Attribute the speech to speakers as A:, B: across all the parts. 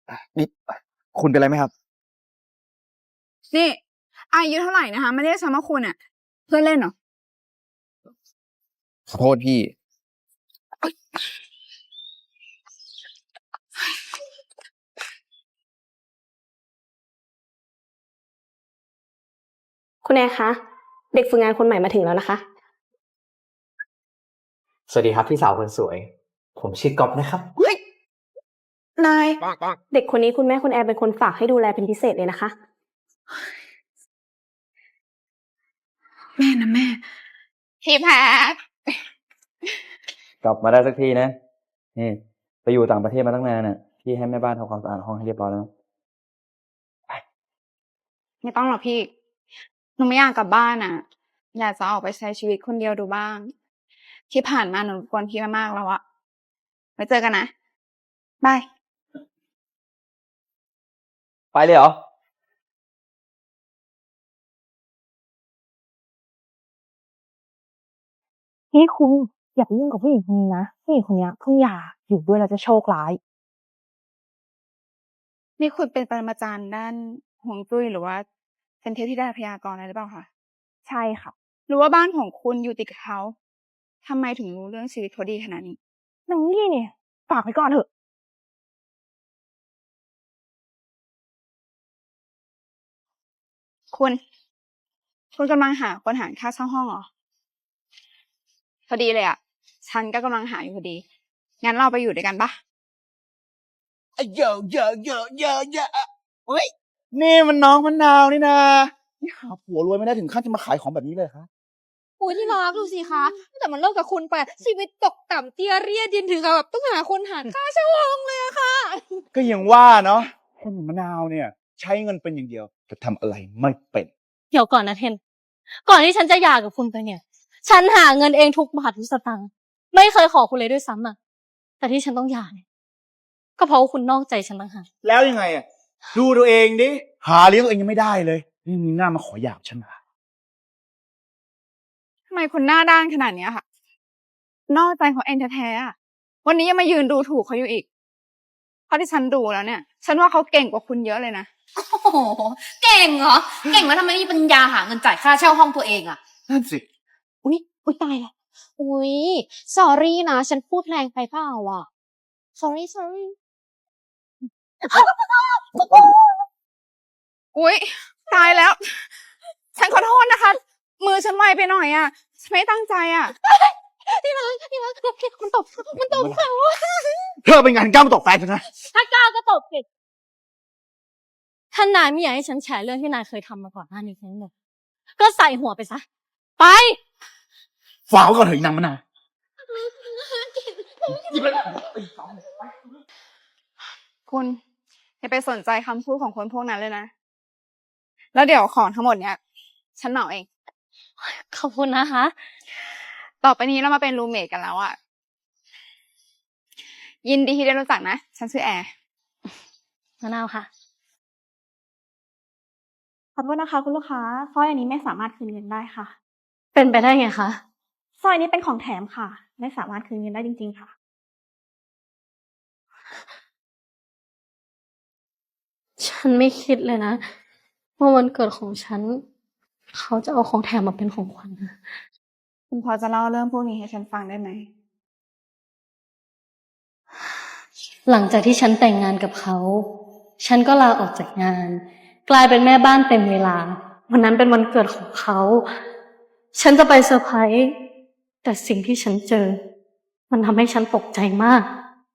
A: นี่คุณเป็นอะไรไหมครับ
B: นี่อายุเท่าไหร่นะคะไม่เรียกฉันว่าคุณอ่ะเพื่อนเล่นเหรอ
A: ขอโทษพี่
C: คุณแอร์คะ เด็กฝึกงานคนใหม่มาถึงแล้วนะคะ
D: สวัสดีครับพี่สาวคนสวย ผมชื่อก๊อฟนะครับ
B: เฮ้ยนาย
C: เด็กคนนี้คุณแม่คุณแอร์เป็นคนฝากให้ดูแลเป็นพิเศษเลยนะคะ
B: แม่นะแม่พี่แพท
E: กลับมาได้สักทีนะนี่ไปอยู่ต่างประเทศมาตั้งนานน่ะพี่ให้แม่บ้านทำความสะอาดห้องให้เรียบร้อยแล้วนะ
B: ไม่ต้องหรอกพี่หนูไม่อยากกลับบ้านอ่ะอยากจะออกไปใช้ชีวิตคนเดียวดูบ้างที่ผ่านมาหนูรบกวนพี่มามากแล้วอะไว้เจอกันนะบาย
E: ไปเลยเหรอ
F: นี่คุณอย่าไปยุ่งกับผู้หญิงคนนี้นะผู้หญิงคนนี้เพิ่งหย่าอยู่ด้วยแล้วจะโชคร้าย
B: นี่คุณเป็นปรมาจารย์ด้านฮวงจุ้ยหรือว่าเป็นเทพธิดาพยากรณ์อะไรหรือเปล่าคะ
F: ใช่ค่ะ
B: หรือว่าบ้านของคุณอยู่ติดกับเขาทำไมถึงรู้เรื่องชีวิตเขาดีขนาดนี้
F: นางนี่เนี่ยฝากไว้ก่อนเถอะ
B: คุณกำลังหาคนหารค่าเช่าห้องเหรอพอดีเลยอ่ะฉันก็กำลังหาอยู่พอดีงั้นเราไปอยู่ด้วยกันปะ
A: เยอะเยอะเยอะเยอะเยอะเฮ้ยนี่มันน้องมะนาวนี่นะนี่หาผัวรวยไม่ได้ถึงขั้นจะมาขายของแบบนี้เลยครับ
G: โอ้ยที่รักดูสิคะตั้งแต่มันเลิกกับคุณไปชีวิตตกต่ำเตี้ยเรียดินถึงกับแบบต้องหาคนหารค่าเช่าห้องเลยอะค่ะ
A: ก็ยังว่าเนาะคนอย่างมะนาวเนี่ย ใช้เงินเป็นอย่างเดียวแต่ทำอะไรไม่เป็น
G: เดี๋ยวก่อนนะเทนก่อนที่ฉันจะหย่ากับคุณไปเนี่ย ฉันหาเงินเองทุกบาททุกสตางค์ไม่เคยขอคุณเลยด้วยซ้ำอะแต่ที่ฉันต้องหย่าเนี่ยก็เพราะว่าคุณนอกใจฉันต่างหาก
A: แล้วยังไงอ่ะดูตัวเองดิหาเลี้ยงตัวเองยังไม่ได้เลยนี่มีหน้ามาขอหย่ากับฉันเหรอ
B: ทำไมคุณหน้าด้านขนาดเนี้ยค่ะนอกใจเขาเองแท้ๆอะวันนี้ยังมายืนดูถูกเขาอยู่อีกเพราะที่ฉันดูแล้วเนี่ย ฉันว่าเขาเก่งกว่าคุณเยอะเลยนะ
H: โอ้โหเก่งเหรอ เก่งแล้วทำไมไม่มีปัญญาหาเงินจ่ายค่าเช่าห้องตัวเองอะ
A: นั่นสิ
G: อุ๊ยตายแล้วอุ๊ย sorry นะ ฉันพูดแรงไปเปล่าอ่ะ sorry
B: อุ๊ยตายแล้ว ฉันขอโทษนะคะ มือฉันไวไปหน่อยอ่ะฉันไม่ตั้งใจอ่ะ
G: ที่รักมันตบเขา
A: เธอเป็นงานกล้ามาตกแฟนฉันนะ
G: ถ้ากล้าก็ตบสิถ้านายไม่อยากให้ฉันแฉเรื่องที่นายเคยทำมาก่อนหน้านี้ทั้งหมดก็ใส่หัวไปซะ ไป
A: ฝากไว้ก่อนเถอะอีนางมะนาวหยิบเลย
B: คุณอย่าไปสนใจคำพูดของคนพวกนั้นเลยนะ แล้วเดี๋ยวของทั้งหมดเนี้ยฉันเหมาเอง
G: ขอบคุณนะคะ
B: ต่อไปนี้เรามาเป็นรูมเมทกันแล้วอ่ะ ยินดีที่ได้รู้จักนะ ฉันชื่อแอร์
G: มะนาวค่ะ
C: ขอโทษนะคะคุณลูกค้าสร้อยอันนี้ไม่สามารถคืนเงินได้ค่ะ
G: เป็นไปได้ไงคะ
C: สร้อยนี้เป็นของแถมค่ะ ไม่สามารถคืนเงินได้จริงๆค่ะ
G: ฉันไม่คิดเลยนะว่าวันเกิดของฉัน เขาจะเอาของแถมมาเป็นของขวัญนะ
B: คุณพอจะเล่าเรื่องพวกนี้ให้ฉันฟังได้ไหม
G: หลังจากที่ฉันแต่งงานกับเขา ฉันก็ลาออกจากงาน กลายเป็นแม่บ้านเต็มเวลา วันนั้นเป็นวันเกิดของเขา ฉันจะไปเซอร์ไพรส์แต่สิ่งที่ฉันเจอ มันทำให้ฉันตกใจมาก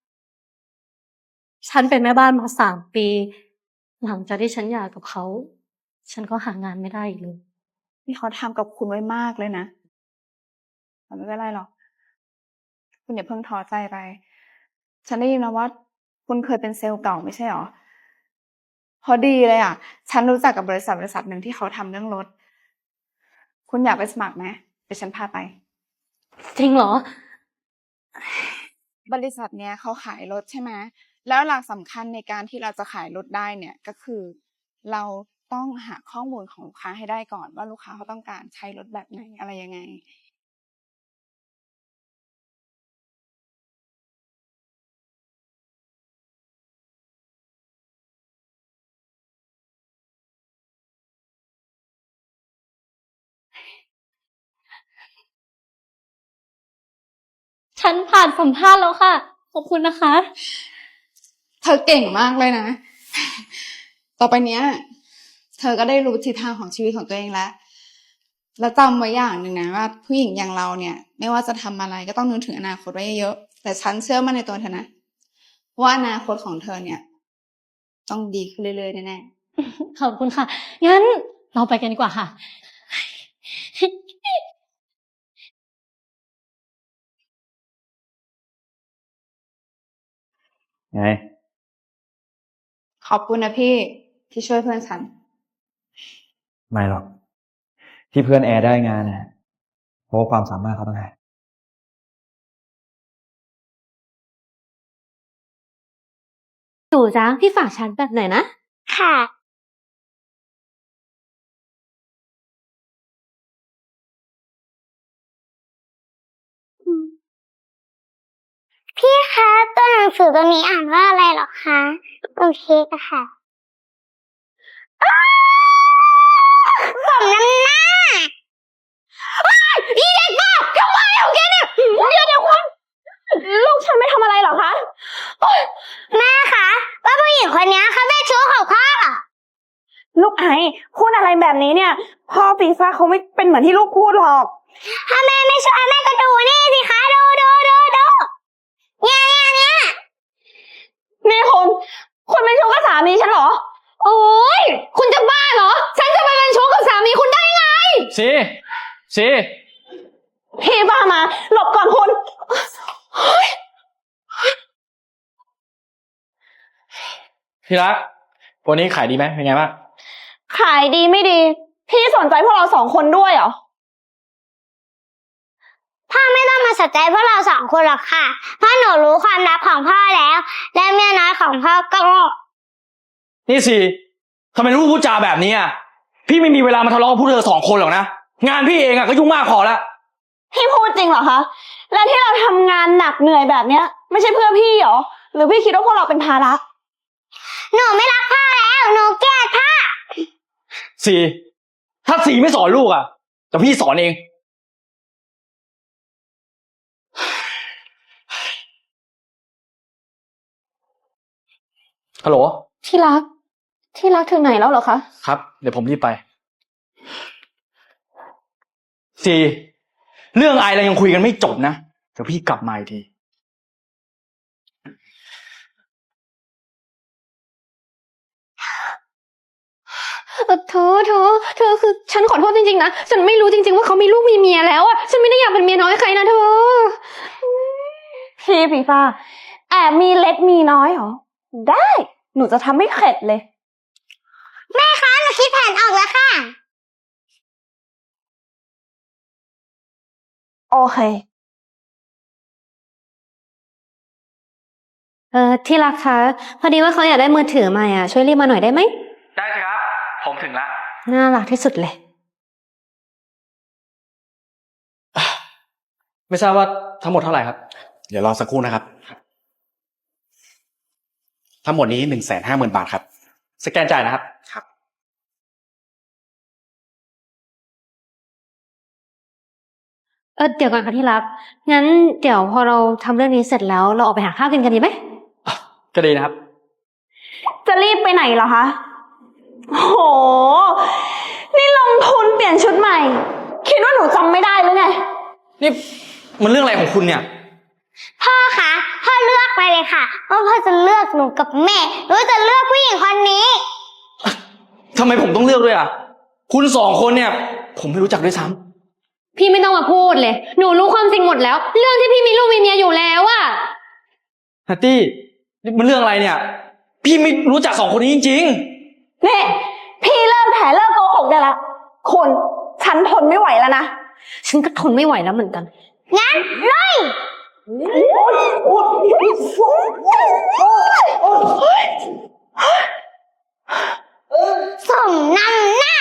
G: ฉันเป็นแม่บ้านมา3 ปี หลังจากที่ฉันหย่ากับเขา ฉันก็หางานไม่ได้อีกเลย
B: ที่เขาทำกับคุณไว้มากเลยนะแต่ไม่เป็นไรหรอก คุณอย่าเพิ่งท้อใจไป ฉันได้ยินมาว่า คุณเคยเป็นเซลล์เก่าไม่ใช่หรอ พอดีเลยอ่ะ ฉันรู้จักกับบริษัทหนึ่งที่เขาทำเรื่องรถ คุณอยากไปสมัครไหมเดี๋ยวฉันพาไป
G: จริงเหรอ
B: บริษัทเนี้ยเขาขายรถใช่ไหม แล้วหลักสำคัญในการที่เราจะขายรถได้เนี่ยก็คือ เราต้องหาข้อมูลของลูกค้าให้ได้ก่อนว่าลูกค้าเขาต้องการใช้รถแบบไหนอะไรยังไง
G: ฉันผ่านสัมภาษณ์แล้วค่ะ ขอบคุณนะคะ
B: เธอเก่งมากเลยนะ ต่อไปเนี้ย เธอก็ได้รู้ทิศทางของชีวิตของตัวเองแล้ว แล้วจำไว้อย่างหนึ่งนะว่าผู้หญิงอย่างเราเนี่ย ไม่ว่าจะทำอะไรก็ต้องนึกถึงอนาคตไว้เยอะๆแต่ฉันเชื่อมั่นในตัวเธอนะว่าอนาคตของเธอเนี่ย ต้องดีขึ้นเรื่อยๆแน่ๆ
G: ขอบคุณค่ะ งั้นเราไปกันดีกว่าค่ะ
E: ไง
B: ขอบคุณนะพี่ที่ช่วยเพื่อนฉัน
E: ไม่หรอก ที่เพื่อนแอร์ได้งานน่ะเพราะว่าความสามารถเขาต่างหาก
C: หนูจ้าพี่ฝากชาร์จแบตหน่อยนะ ค่ะ พี่คะตัวหนังสือตัวนี้อ่านว่าอะไรหรอคะโอเคค่ะสมน้ำหน้าอีเด็กบ้าทำไมของแกเนี่ยเดี๋ยวคุณลูกฉันไม่ทำอะไรหรอคะแม่คะว่าผู้หญิงคนนี้เขาเป็นชู้ของพ่อลูกไอ้พูดอะไรแบบนี้เนี่ยพ่อปีซ่าเขาไม่เป็นเหมือนที่ลูกพูดหรอกถ้าแม่ไม่เชื่อแม่ก็ดูนี่สิคะดูเนี่ยนี่คุณเป็นชู้กับสามีฉันเหรอโอ๊ยคุณจะบ้าเหรอฉันจะไปเป็นชู้กับสามีคุณได้ไง
E: สิ
C: พี่บ้ามาหลบก่อนคุณ
E: พี่รัก วันนี้ขายดีไหมเป็นไงบ้าง
C: ขายดีไม่ดีพี่สนใจพวกเราสองคนด้วยเหรอพ่อไม่ต้องมาสนใจพวกเราสองคนหรอกค่ะเพราะหนูรู้ความลับของพ่อแล้วและเมียน้อยของพ่อก็
E: นี่สิทำไมลูกพูดจาแบบนี้อ่ะ พี่ไม่มีเวลามาทะเลาะกับพวกเธอ2 คนหรอกนะ งานพี่เองอ่ะก็ยุ่งมากพอแล้ว
C: พี่พูดจริงเหรอคะแล้วที่เราทำงานหนักเหนื่อยแบบเนี้ยไม่ใช่เพื่อพี่เหรอหรือพี่คิดว่าพวกเราเป็นภาระหนูไม่รักพ่อแล้วหนูเกลียดพ่อ
E: สีถ้าสีไม่สอนลูกอ่ะแต่พี่สอนเองฮัลโหล
C: ที่รักถึงไหนแล้วเหรอคะ
E: ครับเดี๋ยวผมรีบไปสีเรื่องไอเรายังคุยกันไม่จบนะเดี๋ยวพี่กลับมาอีกที
C: เธอคือฉันขอโทษจริงๆนะฉันไม่รู้จริงๆว่าเขามีลูกมีเมียแล้วอ่ะฉันไม่ได้อยากเป็นเมียน้อยใครนะเธอพี่ปีฟ้าแอบมีเล็กมีน้อยเหรอได้หนูจะทำให้เข็ดเลยแม่คะหนูคิดแผนออกแล้วค่ะโอเคที่รักคะพอดีว่าเขาอยากได้มือถือใหม่อ่ะช่วยรีบมาหน่อยได้ไหม
E: ได้ครับผมถึงแล้ว
C: น่ารักที่สุดเลย
E: ไม่ทราบว่าทั้งหมดเท่าไหร่ครับเดี๋ยวรอสักครู่นะครับทั้งหมดนี้150,000 บาทครับสแกนจ่ายนะครับครับ
C: เดี๋ยวก่อนค่ะที่รักงั้นเดี๋ยวพอเราทำเรื่องนี้เสร็จแล้วเราออกไปหาข้าวกินกันดีไหม
E: ก็ดีนะครับ
C: จะรีบไปไหนเหรอคะโหนี่ลงทุนเปลี่ยนชุดใหม่คิดว่าหนูจำไม่ได้หรือไง
E: นี่มันเรื่องอะไรของคุณเนี่ย
C: พ่อคะพ่อเลือกไปเลยค่ะว่าพ่อจะเลือกหนูกับแม่หรือจะเลือกผู้หญิงคนนี้
E: ทำไมผมต้องเลือกด้วยอ่ะคุณ2 คนเนี่ยผมไม่รู้จักด้วยซ้ำ
G: พี่ไม่ต้องมาพูดเลยหนูรู้ความจริงหมดแล้วเรื่องที่พี่มีลูกมีเมียอยู่แล้วอะ
E: ฮัตตี้นี่มันเรื่องอะไรเนี่ยพี่ไม่รู้จัก2 คนนี้จริง
C: ๆนี่พี่เลิกแผลเลิกโกหกได้ละคนฉันทนไม่ไหวแล้วนะฉันก็ทนไม่ไหวแล้วเหมือนกันงั้นเลยส่งน้ำหน้า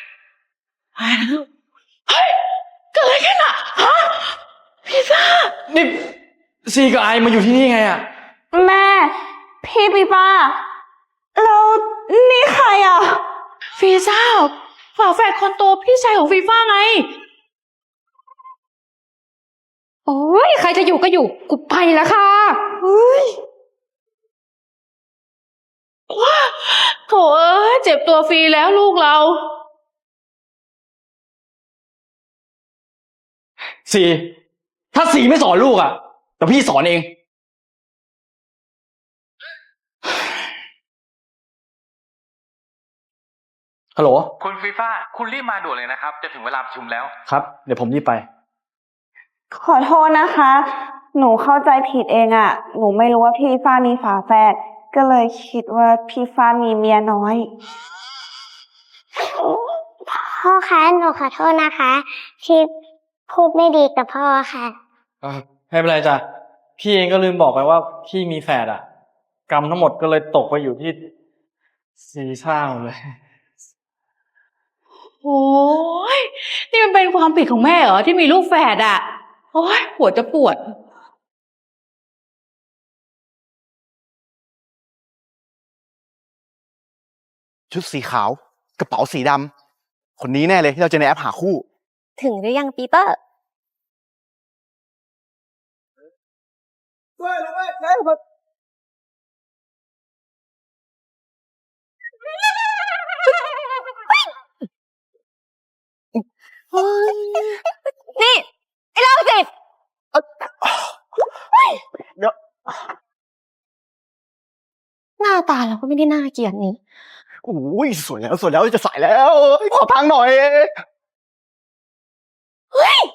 E: เฮ้ยเกิดอะไรขึ้นอ่ะฮะพี่ซ่านี่ซีกับไอมาอยู่ที่นี่ไงอ่ะ
C: แม่พี่ปีป้าแล้วนี่ใครอ่ะ
F: ฟีซ่าฝาแฝดคนโตพี่ชายของฟีฟ่าไง
H: โอ้ยใครจะอยู่ก็อยู่ กูไปแล้วค่ะเฮ้ยโถเอ้ยเจ็บตัวฟรีแล้วลูกเรา
E: สีถ้าสีไม่สอนลูกอะแต่พี่สอนเอง ฮัลโหล
I: คุณฟีฟ่า คุณรีบมาด่วนเลยนะครับ จะถึงเวลาประชุมแล้ว
E: ครับ เดี๋ยวผมรีบไป
F: ขอโทษนะคะ หนูเข้าใจผิดเองอะ หนูไม่รู้ว่าพี่ฟ้ามีฝาแฝด ก็เลยคิดว่าพี่ฟ้ามีเมียน้อย
C: พ่อคะหนูขอโทษนะคะที่พูดไม่ดีกับพ่อค่ะ
E: ไม่เป็นไรจ้ะ พี่เองก็ลืมบอกไปว่าพี่มีแฝดอะกรรมทั้งหมดก็เลยตกไปอยู่ที่สีช่างเลย
H: โอ้ยนี่มันเป็นความผิดของแม่เหรอที่มีลูกแฝดอ่ะ โอ้ยหัวจะปวด
A: ชุดสีขาว กระเป๋าสีดำ คนนี้แน่เลยที่เราเจอในแอปหาคู่
C: ถึงหรือยังปีเตอร์ นี่ ไอ้โรคจิต
A: เดี๋ยว
C: หน้าตาเราก็ไม่ได้น่าเกลียดนี่
A: โอ้ยสวยแล้วจะใส่แล้วขอทางหน่อยเฮ้ย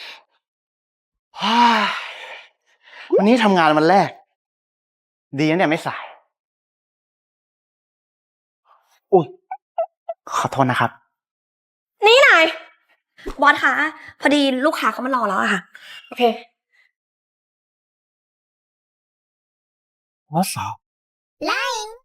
A: วันนี้ทำงานวันแรก ดีนะเนี่ยไม่สายอุ้ยขอโทษนะครับ
C: นี่นายบอสคะพอดีลูกค้าเขามารอแล้วอะค่ะ โอเค
A: ว่าสาว
C: Lying